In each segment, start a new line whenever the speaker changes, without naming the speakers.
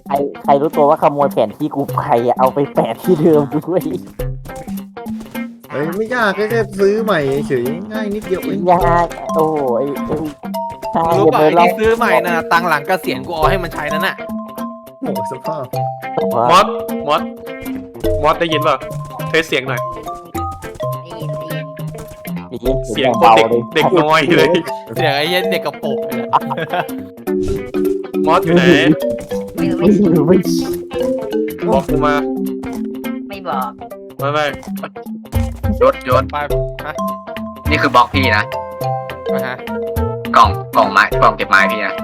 ใครใครรู้ตัวว่าขโมยแผนที่กูไปอะเอาไปแปะที่เดิมด้วย
เฮ้ยไม่ยากแค่ซื้อใหม่เฉยง่ายนิดเดียวเอง
ยากโอ้ยถ้า
รู้
อย่า
ป่ะ
ไป
ไอ้
ลอ
ที่
ง
ซื้อใหม่น่ะตังค์หลังเกษียณกูเอาให้มันใช้นั่นน่ะ
โอ้สภาพ
มอสมอสมอสได้ยินป่ะเทสเสียงหน่อย เสียงโคตรเด็กน้อยเลย
เสียงไอ้เหี้ย็นเด็กกระโปรงเลยนะ
มอสอยู่ไหน
ไม่รู้
ไม่รู้ไม่
บอกกูมา
ไม่บอก
ไม่
ยศ
ไปฮะ
นี่คือบล็อกพี่นะ
มาฮะ
กล่องไม้กล่องเก็บไม้พี่นะ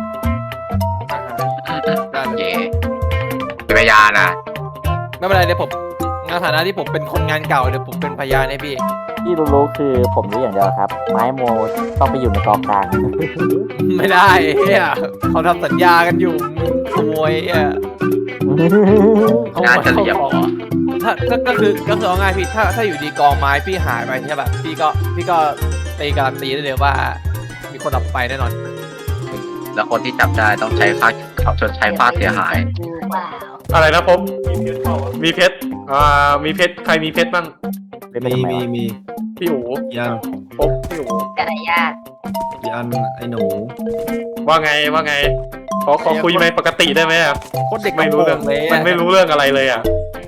ได้เลย
เย่เป็นพยานนะ
ไม่เป็นไรเดี๋ยวผมในฐานะที่ผมเป็นคนงานเก่าเดี๋ยวผมเป็นพยานให้พี่
ที่รู้คือผมรู้อย่างเดียวครับ ไม้โมต้องไปอยู่ในกองกลาง
ไม่ได้เฮียเขาทำสัญญากันอยู่มึงขโมยเฮียขโม
งานจะเหลี่ยม
ของถ้าก็คือเอาง่ายพี่ถ้าอยู่ดีกองไม้พี่หายไปใช่ป่ะพี่ก็ตีการันตีได้เลยว่า มีคนเอาไปแน่นอน
แล้วคนที่จับได้ต้องใช้ค่าเขาชดใช้ค่าเสียหาย
กูเปล่า
อะไรนะผมมีเพชรมีเพชรใครมีเพชรบ้าง
เป็นไปทำไมวะ
มี
พี่อู๋
ยัน
ปุ๊บพี่อู๋
กระยาด
ยันไอ้หนู
ว่าไงขอคุยไหมปกติได้ไหมอะ
โคตรเด็ก
ไม่รู้เรื่อง
เลย
มันไม่รู้เรื่องอะไรเลยอ่ะ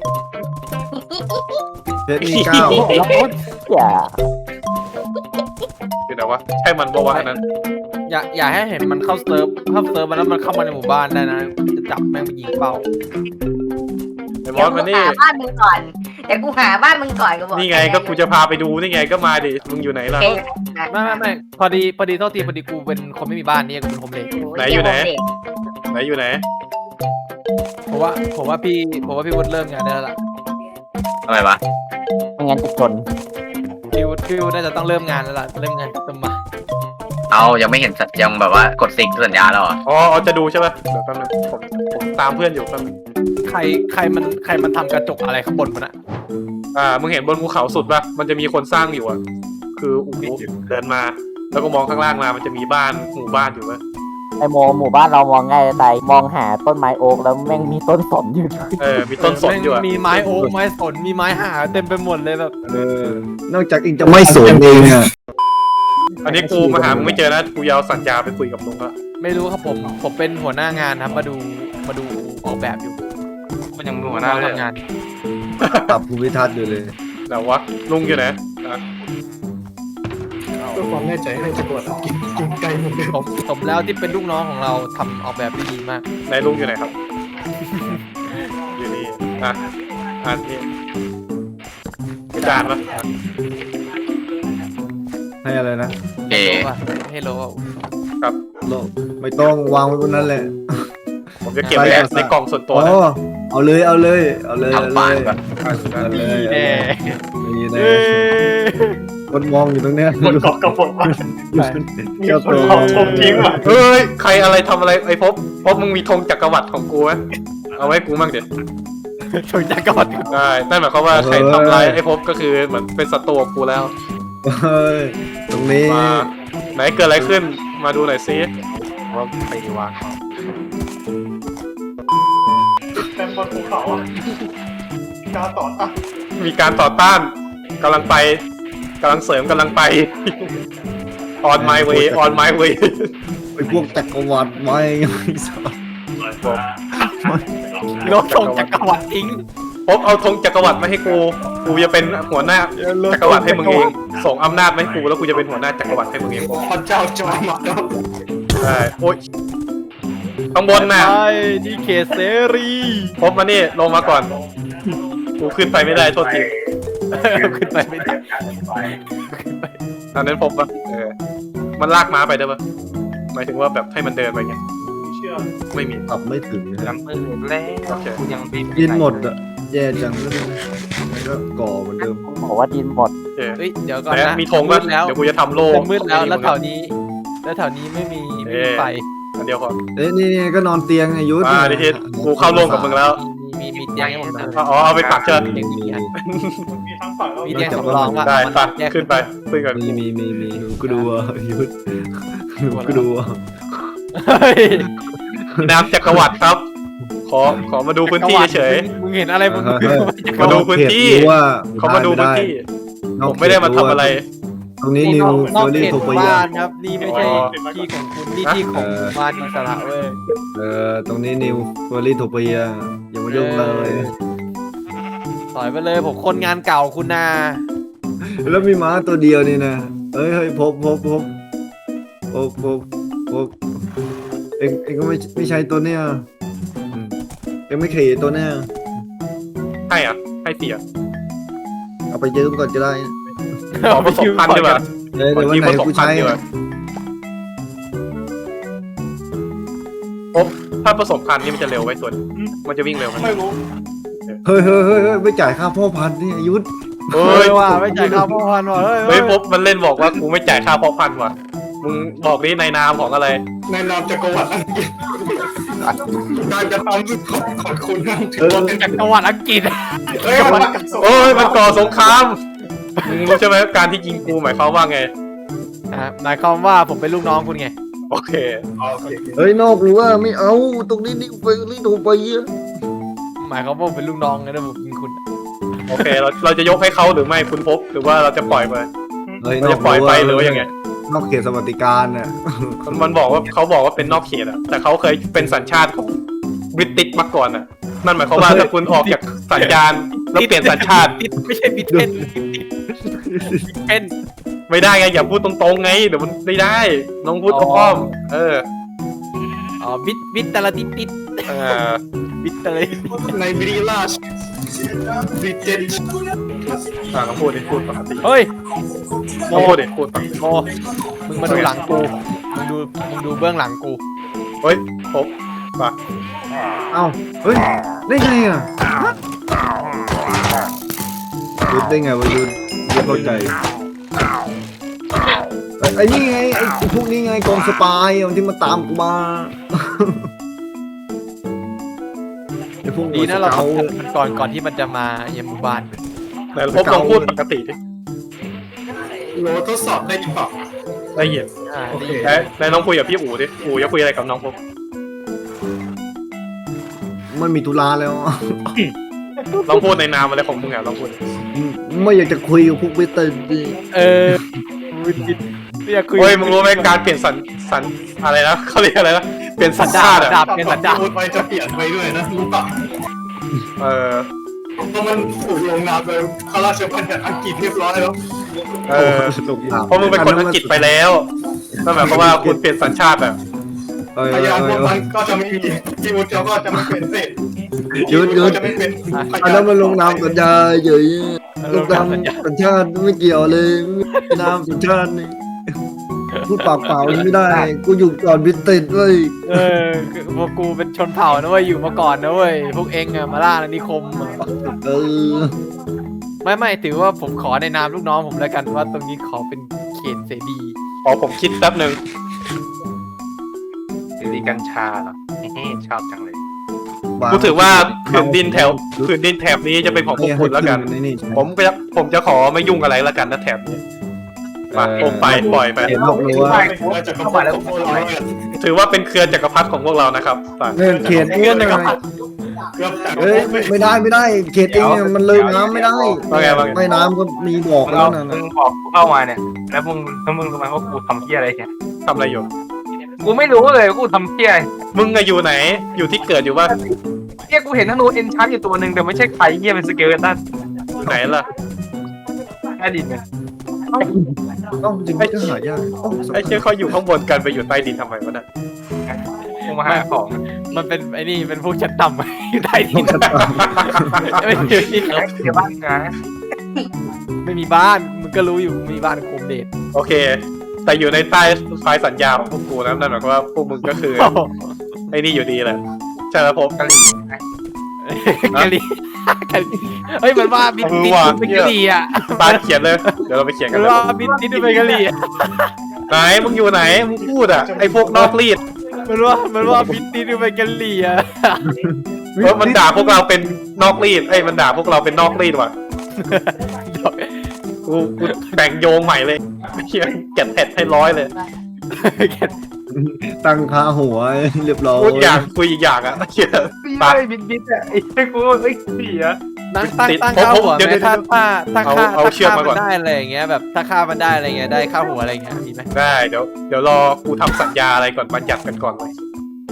เพชรมี9
แล้วพูดอย่า
คือแต่ว่าใช่มันบอกว่าอันนั้น
อย่าให้เห็นมันเข้าเซิร์ฟมันแล้วมันเข้ามาในหมู่บ้านได้นะจะจับแม่งไปยิงเป้า
ไอ้ม
เดี๋
อ
ยว
ส
กู
มานี่
หาบ้านมึงก่อนเดี๋ยวกูหาบ้านมึงก่อนกูบอก
นี่ไงก็กูจะพาไปดูนี่ไงก็มาดิมึงอยู่ไหนล่ะ
โอเค
ไม่พอดีโทษทีพอดีกูเป็นคนไม่มีบ้านนี่กูเป็นโฮมเลส
ไหนอยู่ไหน ไหนอยู่ไหน
ผมว่าพี่วุฒิเริ่มงานได้แล้วล่ะ
ทำไมวะ
ไม่งั้นจะจน
พี่วุฒิน่าจะต้องเริ่มงานแล้วล่ะเริ่มงานต้นมา
เอายังไม่เห็นสัญญาแบบว่ากดซิงสัญญาแล้วเหรอ
อ๋อจะดูใช่ป่ะเดี๋ยวแป๊บนึงผมตามเพื่อนอยู่แป๊บนึง
ใครมันทำกระจกอะไรข้างบนมันอะ
มึงเห็นบนภูเขาสุดป่ะมันจะมีคนสร้างอยู่อ่ะคืออู๋เดินมา แล้วก็มองข้างล่างมามันจะมีบ้านหมู่บ้านอยู่ป่ะ
ไอโมหมู่บ้านเรามองง่ายแต่มองหาต้นไม้โอ๊กแล้วแม่งมีต้นสนอยู่ด้วย
มีต้นสนอยู่อ่ะ
มีไม้โอ๊กไม้สนมีไม้หาเต็มไปหมดเลยแบบ
นอกจากเองจะไม่สนเองอ่ะ
อันนี้กูมาหามึงไม่เจอนะกูยาวสัญญาไปคุยกับลุงละ
ไม่รู้ครับผมเป็นหัวหน้างานครับมาดูออกแบบอยู่
มันยังหัวหน้าเลย
ทำงาน
ปรับภูมิทัศน์อยู่เลย
แต่ว่าลุงอยู่ไหน
เพื่อความแน่ใจให้ตำรวจกินไก่เหมือนเดิม
ผมแล้วที่เป็นลูกน้องของเราทำออกแบบได้ดีมาก
ไหนลุงอยู่ไหนครับ อยู่นี่อันนี้จานปะ
ให้อะไรนะ
เอ๋
ให้โลว่า
โลกไม่ต้องวางไว้บนนั้นแหละ
ผมจะเก็บไว้ในกล่องส่วนตัว
อ๋
นะ
อเอาเลยเอาเลยเอาเลย
ทำบ้านก่อน
เอาเลย
แน่
นี่แน่คนมองอยู่ตรงเนี้ย
มันเกาะกระบอกมา
เจ้าตัว
เอาธงทิ้งว่ะ
เฮ้ยใครอะไรทำอะไรไอ้พบมึงมีธงจักรวรรดิของกูไหมเอาไว้กูมั่งเดี๋ยว
ชนจักรวรรดิ
ได้นั่นหมายความว่าใครทำร้ายไอ้พบก็คือเหมือนเป็นศัตรูของกูแล้ว
เฮ้ยตรงนี้
มาไหนเกิดอะไรขึ้นมาดูหน่อยซิ
ว่าไปวาง
เต็มบนภูเขาอ่ะการต่อต้าน
มีการต่อต้านกำลังไปกำลังเสริมกำลังไป on my way on my way
ไอ้พวกจักรวรรดิไม่สา
โลกชงจักรวรรดิทิ้ง
พบเอาธงจักรวรรดิมาให้กูจะเป็นหัวหน้าจักรวรรดิให้มึงเองส่งอำนาจมาให้กูแล้วกูจะเป็นหัวหน้าจักรวรรดิให้มึงเอง
พระเจ้าจอมมาแล้ว
ใช่โอ๊ยข้างบนน่ะ
ใช่นี่เขตเสรี
พบมานี่ลงมาก่อนกูขึ้นไปไม่ได้โทษที
ขึ้นไปไม่ได้
อันนั้นพบปะมันลากม้าไปได้ปะหมายถึงว่าแบบให้มันเดินไปไง
เชื่อ
ไม่มี
ขับไม่ถึงนะ
ยังมืดแล้ว
โอเค
กูยังบิน
ดินหมดอ่ะแย่จังมันก็ก่อเหมือนเดิม
บอกว่าดินหมด
โอเค
เฮ้ยเดี๋ยวก่อน
ไหน
นะ
มีธงปะ
มืดแล้ว
เดี๋ยวกูจะทำโล่
มืดแล้วแถวนี้ไม่มีไฟ
อันเดียวพอ
เอ้ยนี่ก็นอนเตียงไงยุทธ
ดิทิศกูเข้าโล่กับมึงแล้ว
มีเตียงให้ผมนะ
อ๋อเอาไปปักเชิญ
เตียงดีๆ
มีทั้งฝั่งแล้ว
มีเตียงสำรองว่ะ
ได้
มัน
ไป
แยก
ขึ้นไปขึ้นกัน
มีกูดูอ่ะยุทธกูดูอ่ะ
เฮ้ย
น้ำจักรวรรดิครับ ขขอมาดูพื้นที่เฉย
มึงเห็นอะไรมึง
มาดูพื้นที่ เขามาดูพื้นที่ผมไม่ได้มาทำอะไร
ตรงนี้นิวน
อก
เฟอร์
เข
รี่
ต
โท
ห
เปี
มู่
ย
บ้านครับนี่ไม่ใช่ที่ของคุณนี่ที่ของหมู่บ้านอิสระเว้ย
ตรงนี้นิวเฟอร์รี่โทเปียอย่ามายุ่งเลย
ถอยไปเลยผมคนงานเก่าคุณนา
แล้วมีม้าตัวเดียวนี่นะเฮ้ยพบเองก็ไม่ใช่ตัวเนี้ยเองไม่ขี่ตัวเนี้ย
ให้อ่ะให้เสีย
เอาไปยืมก่อนก็ได้
ขอผสมพันธุ์ดีกว่า
เดี๋ยว
ขอ
วัน
ยืม
ไหน
ผสม
กู
พัน
ใช้
ธุ์ดีกว่าถ้าผสมพันธุ์นี่มันจะเร็วไว้ส่วนมันจะวิ่งเร็วไหม
ไม่รู้
เฮ้ยไม่จ่ายค่าพ่อพันธุ์นี่ยุทธ
เฮ้
เฮ้
ย
ยว่าไม่จ่ายค่าพ่อพันว่ะเฮ้ย
เฮ้ยพบมันเล่นบอกว่ากูไม่จ่ายค่าเพาะพันธุ์ว่ะมึงบอกดิในนามของอะไร
ในนามจักรวรรดิอังกฤษการกระทำของคุณนั่นถือว่าเป็น
จากจังหวัดอังกฤษ
เฮ้ยมัน
โอ้ยมันก่อสงครามมึงรู้ใช่ไหมการที่ยิงกูหมายความว่าไง
หมายความว่าผมเป็นลูกน้องคุณไง
โอเค
เฮ้ยนอกหรือว่าไม่เอาตรงนี้นิวเฟอร์รี่โทเปีย
หมายความว่าผมเป็นลูกน้องไงนะผมยิงคุณ
โอเคเราจะยกให้เขาหรือไม่คุณพบหรือว่าเราจะปล่อยไป
เฮ้ย
เราจะปล่อยไปหรือว่ายังไง
นอกเขตสวัสดิการน่ะ
มันบอกว่าเขาบอกว่าเป็นนอกเขตอะแต่เขาเคยเป็นสัญชาติของบริติชมาก่อนอะนั่นหมายความว่าถ้าคุณออกจากสัญญาณแล้วเปลี่ยนสัญชาติ
ติดไม่ใช่บิดเพนเพน
ไม่ได้ไงอย่าพูดตรงๆไงเดี๋ยวมันไม่ได้น้องพูดอ้อมๆ
อ๋อบิดแต่ละติด
เออ
บิดแต่ละ
ในบริลาชบริเจน
น้องพูดดิพูดปกติ
เฮ้ย
น้องพูดดิพูดปกติ
โมมึงมาดูหลังกูมึงดูเบื้องหลังกู
เฮ้ยพบป่ะ
เอ้าเฮ้ยได้ไงอ่ะยุทธได้ไงวะยุทธเข้าใจไอ้นี่ไงไอ้พวกนี้ไงกองสปายที่มาตามกูมาไอ้พวก
ดีนะเรา
สก
ทำมันก่อนที่มันจะมาเยี่ยมหมู่บ้าน
แต่พบลองพูดปกติดิ
โหลทดสอบได้หรือเปล่า
ได้ยิน
โอเค
แล้วน้องคุยกับพี่อู๋ดิอู๋จะคุยอะไรกับน้องพบ
มันมีตุลาแล้ว
ลองพูดในนามอะไรของมึงอ่ะลองพูด
ไม่อยากจะคุยกับพวกเวสเทิร์นดิ
ไม่อยากคุย
เฮ้ยมึงรู้ไหมการเปลี่ยนสันอะไรนะเขาเรียกอะไรนะเปลี่ยนสัญชาติอ่ะ
ดับเป็นสันดาบ
พูดไปจะเปลี่ยนไปด้วยนะรู้ป่ะ
เออ
เพราะมันถูกลงนามโดยข้าราชบัญญัติอังกฤษเรียบร้อยแล้ว
เออเพราะมึงเป็นคนอังกฤษไปแล้วนั่นหมายความว่าคุณเปลี่ยนสัญชาติแบบ
พยานพวกมันก็จะไม่มีที่วุฒิก็จะไม่เป็นเศษ
ยุทธ
ก็จะไม่เป็นพ
อัน
ยา
นั้น นมันลงนามสัญญาเฉยลงนาม
สัญญา
สัญชาติไม่เกี่ยวเลยนามสัญชาตินี่พูดปากเปล่าไม่ได้กูอยู่ก่อนวิติดเว้ย
พวกกูเป็นชนเผ่านะเว้ยอยู่มาก่อนนะเว้ยพวกเองอะมาล่าอาณานิคมอะ
เออ
ไม่ถือว่าผมขอในนามลูกน้องผมแล้วกันว่าตรงนี้ขอเป็นเขตเสรี
ขอผมคิดแป๊บหนึ่ง
ซีกัญชาเหรอชอบจังเลย
กูถือว่าผืนดินแถบนี้จะเป็นของพวกคุณแล้วกัน ผมจะขอไม่ยุ่งอะไรแล้วกันนะแถบนี้มาผมไปปล่อยไป
เห็นบอกเลยว่า
ว่าจะเข้ามาแล้วพวกเราเนี่ย
ถือว่าเป็นเครือจักรพรรดิของพวกเรานะครับไป
เงินเขต
เงื่อนหนึ่ง
เกือบแต่
เอ้ยไม่ได้เขตเองเนี่ยมันเลยน้ำไม่ได้ไม่น้ำก็มีบอกแล้วนะ
มึงบอกกูเข้ามาเนี่ยแล้วมึงรู้ไหมว่ากูทำเพี้ยอะไรเนี่ย
ทำอะไรอยู่
กูไม่รู้เลยว่ากูทำเพี้ยอะไร
มึงอะอยู่ไหนอยู่ที่เกิดอยู่ว่า
เพี้ยกูเห็นธนูเอ็นชาร์อยู่ตัวหนึ่งแต่ไม่ใช่ใครเพี้ยเป็นสเกลตัน
ไหนล่ะ
แค่ดินเนี่ย
ต้องจริงก็หายาก
ไอ้เชี่ยเขาอยู่ข้างบนกันไปอยู่ใต้ดินทำไมวะน่ะ
กูมาหาของ
มันเป็นไอ้นี่เป็นพวกชั้นต่ำอยู่ใต้ดินไม่มีที่
เดี๋ยวบ้านนะ
ไม่มีบ้านมึงก็รู้อยู่มีบ้านโคมเดช
โอเค แต่อยู่ในใต้ไฟล์สัญญาของพวกกูนะนั่นหมายความว่าพวกมึงก็คือไอ้นี่อยู่ดีแหละใช่แล้วผม
กะหรี่
กะลีเฮ้ยมันว่าบินเป็นกะลีอ่ะ
ตาเขียนเลยเดี๋ยวเราไปเขียนกั
มัน น
เลย
ว่าบินเป็นกะลี
ไหนมึงอยู่ไหนมึงพูดอ่ะไอ้พวกนอกรีด
มันว่าบินเป็นกะลีอ่ะ
มันด่าพวกเราเป็นนอกรีดมันด่าพวกเราเป็นนอกรีดว่ะกูแบ่งโยงใหม่เลยเขียนเก็บเผ็ดให้100เลย
ตั้งค่าหัวเรียบร้อย
พูดอย่างคุยอีกอย่างอะเชี่ย
ไปบินอ่ะไอ้กูไอ้เสียตั้งค่าหัว
เดี๋ยว
ไหม
เดี๋ยว
ถ้าค่า
เอาเชือกมาก่อน
มันได้อะไรอย่างเงี้ยแบบถ้าค่ามันได้อะไรเงี้ยได้ค่าหัวอะไรเงี้ยมีไหม
ได้เดี๋ยวรอกูทำสัญญาอะไรก่อนมาจัดกันก่อนเลย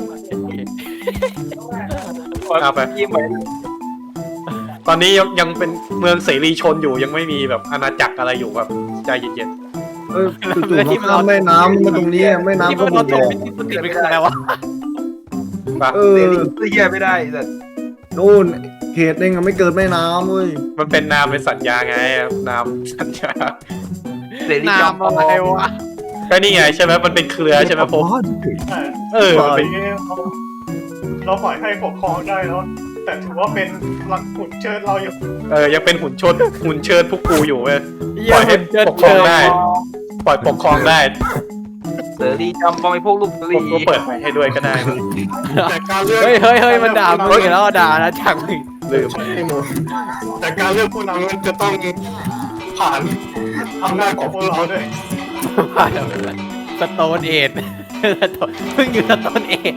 เอาไป
ยิ้มไว้
ตอนนี้ยังเป็นเมืองเสรีชนอยู่ยังไม่มีแบบอาณาจักรอะไรอยู่แบบใจเย็น
จู่ๆมาข้ามแม่น้ำมาตรงนี้แม่น้ำ
ที่
ก็
มัน
บุ
ร
ก
ถ
บอก
ติดเป็นอะไรวะ
ๆปะ
เออ
เหี้ยไม่ได้แต่
นู่นเขตเองอะไม่เกิดแม่น้ำเว้ย
มันเป็นนามในสัญญาไงนามสัญญา
เสรี
น้ำอะไรวะ
ก็นี่ไงใช่ไหมมันเป็นเครือใช่ไหมผม เออมันเป็น
เราปล่อยให้ปกครองได้แล้วแต่ถือว่าเป็นหลักขุนเชิญเราอยู่
ยังเป็นหุ่นเชิดพวกกูอยู่เว้ย
ปล่อยให้
ปกครองได้ ปล่อยปกครองได้
เสรีจำบองไอ้พวกลูกเสรี
ผมก็เปิดไฟให้ด้วยก็ได้นะ
แต่การเลือก
เฮ้ยมันด่ามึงแล้วด่านะจังมึง
ลืม
แต่การเลือกผู้นำมันจะต้องผ่าน
อำนาจของพวกเราด้วย
สโตนเอ็ดเพิ่งอยู่สโตนเอ็ด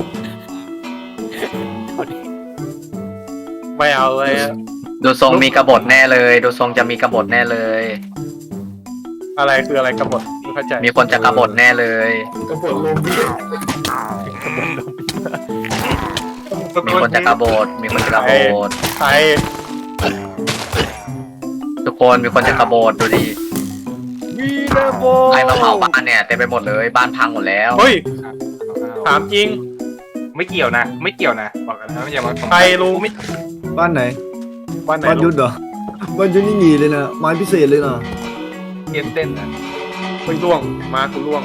ไม่เอาเลยอะ
ดูทรงมีกบฏแน่เลย ดูทรงจะมีกบฏแน่เลย
อะไรคืออะไรกบฏไม่เข้าใจ
มีคนจะกบฏแน่เลย
กบฏโลบี
มีคนจะกบฏมีคนจะกบฏ
ใคร
ทุกคนมีคนจะกบฏดูดิ
วีเดโบ
ใครมาเผาบ้านเนี่ยเต็มไปหมดเลยบ้านพังหมดแล้ว
เฮ้ยถามจริง
ไม่เกี่ยวนะไม่เกี่ยวนะบอกกันนะอย่ามา
ใครรู้
บ้านไหน
บ้านไหน
บ้านยุ
รู้
ทธเหรอบ้านยุทธนี่หนีเลยนะไม้พิเศษเลยนะ
เกมเต้นนะ
เฮ้ยล่วงมากูล่วง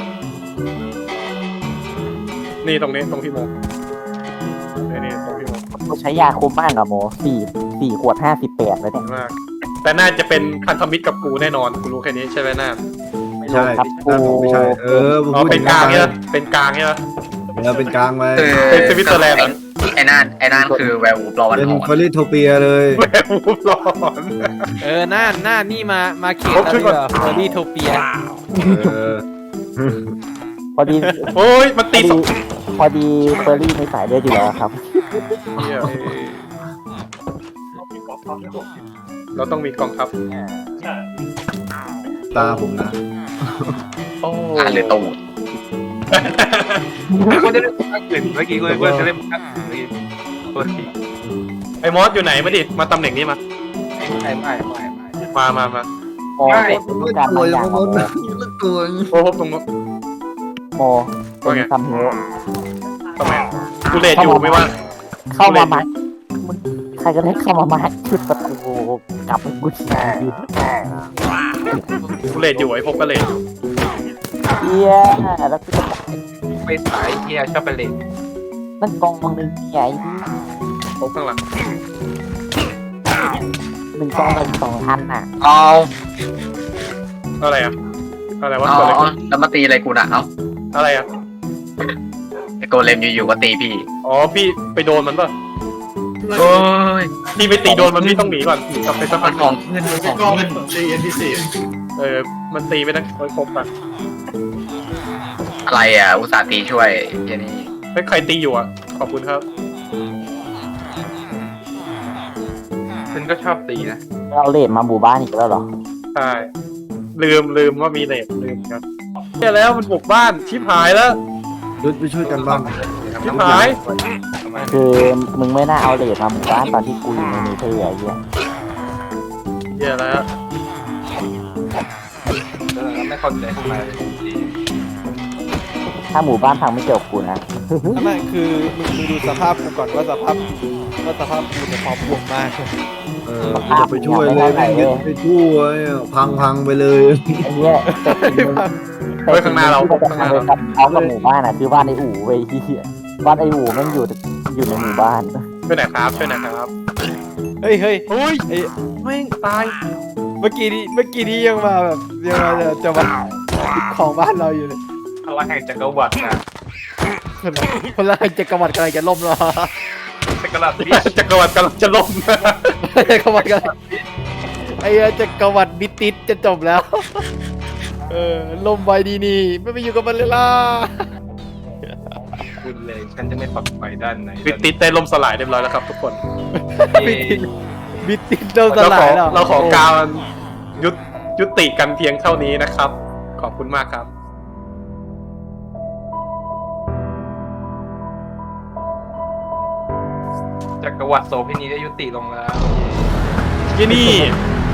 นี่ตรงนี้ตรงพี่โมนี่ตรงพี่โม
กูใช้ยาคุมมากอะโมสี่ขวด58แล้วเนี่ย
มากแต่น่าจะเป็นพันธมิตรกับกูแน่นอนกูรู้แค่นี้ใช่ไหมน่า
ไม่ใช่
ครับ
หน้าผมไม่ใช่ผม
อ๋อ
พูด
เป็นกลางเนี่ยเป็นกลางเนี่ย
เป็นกลางไป
คือ
เป็นสวิตเซอร์แลนด์เหรอ
ไอ้นั่นคือแวร์วูฟรอวัน
เป็น
หอน
ฟอริโทเปียเลย
แม่พูดร้อน
หน้านี่มาเขต
ครบชุดก่อน
เฟอร์รี่โทเปีย
เออ
พอดี
โอ้ยมันตีสอง
พอดีเฟอร์รี่ในสายเลือดอยู่แล้วครับ
เนี่ยเราต้องมีกองทัพ
ตาผมนะ
โอ้
อ่านเลยตูด
กูจะเล่นภาคอื่นเมื่อกี้กูจะเล่นภาคอื่นเมื่อกี้ตัวที่
ไอ้มอสอยู่ไหนมาดิมาตำแหน่งนี้มา
ไม่
มา
โมต้องการ
ตัว
บางอ
ยั
ย่าง ง
ม
โม
ดตัว
โอ้พบตรงนู้น
โมเป็นคำเฮ
ทำไมกูเลดอยู่ไม่ว่า
เข้ามามัดมึงใครก็ได้เข้ามามัดชุดประตูกลับไปกูที
กูเลดอยู่ไอ้พบก็เลดอยู่
เฮียแล้วกูจะ
ไปสายเฮียชอบไปเล่น
นั่นกองหนึ่งใหญ่
พบข้างหลัง
1 กองเป็น2,000อ่ะ
เอา
อะไรอะอะไรวะ
อ๋อ
เกิดอะไรขึ้น
แล้วมาตีอะไรกูนะเอา
อะไรอะ
ไอ้โกเลมอยู่ๆก็ตีพี่
อ๋อพี่ไปโดนมันป่ะ
โอ้ย
พี่ไปตีโดนมันพี่ต้องหนีก่อนหนีกลับไปสัก
มั
พั
น
ก
ของขึ้นมันของ
ก็
ขึ้
เป็น นตีเอ็นพีซี
มันตีไปตั้งครบอ่ะ
อะไรอ่ะอุตส่าห์ตีช่วยเฮียนี่
ไม่ใครตีอยู่อ่ะขอบคุณครับ
ฉันก็ชอบตีนะ
เราเลดมาหมู่บ้านอีกแล้วเหรอ
ใช่ลืมว่ามีเลดลืมครับแค่แล้วมันบุกบ้านชิบหายแล้ว
ยุทธไปช่วยกันบ้าง
ชิบหาย
คือมึงไม่น่าเอาเลดมาหมู่บ้านตอนที่กูอยู่ในเนเธอร์ไอ้เหี้ย
เหี้ยแล้ว
ไม่เข้าใจทำไม
ถ้าหมู่บ้านพังไม่เกี่ยวกับกูนะ
ไม่คือมึงดูสภาพกูก่อนว่าสภาพกูเนี่ยพร้อมบวกมาก
จะไปช่วยเลยแม่งยึดไปช่วยพังไปเลย
ไอ้เหี้ยแต่สิ่งหนึ่ง
เฮ้ยข้างหน้าเรา
ที่จะทำเลยกับเขากับหมู่บ้านอ่ะคือบ้านไอ้อู่เว้ยที่บ้านไอ้อู่แม่งอยู่ในหมู่บ้าน
ช่วยหน่อยครับช่วยหน่อยครับ
เฮ้ย
เฮ้ย
ไอ้
แม่งตาย
เมื่อกี้นี้ยังมาแบบยังมาจะมาของบ้านเราอยู่เลย
พลังแห่งจักรวรรดินะ
คนละจักรวรรดิกำลังจะล่มแล้ว
จักรวรรดิ
จักรวรรดิกำลังจะล่ม
จักรวรรดิกำลังไอ้จักรวรรดิบิติสจะจบแล้วล่มไว้ดีนี่ไม่ไปอยู่กับมันเลยล่ะ
คุณเลย ฉันจะไม่ฝักใฝ่ด้านไหน
บิดติดได้ล่มสลายเรียบร้อยแล้วครับทุกคน
บิดติดเริ่มส
เรา
ลา
ขอย
แล้ว
เราขอการยุติกันเพียงเท่านี้นะครับ ขอบคุณมากครับ
จักรวรรดิโสเภณีได้ยุติลงแล้ว
ที่นี่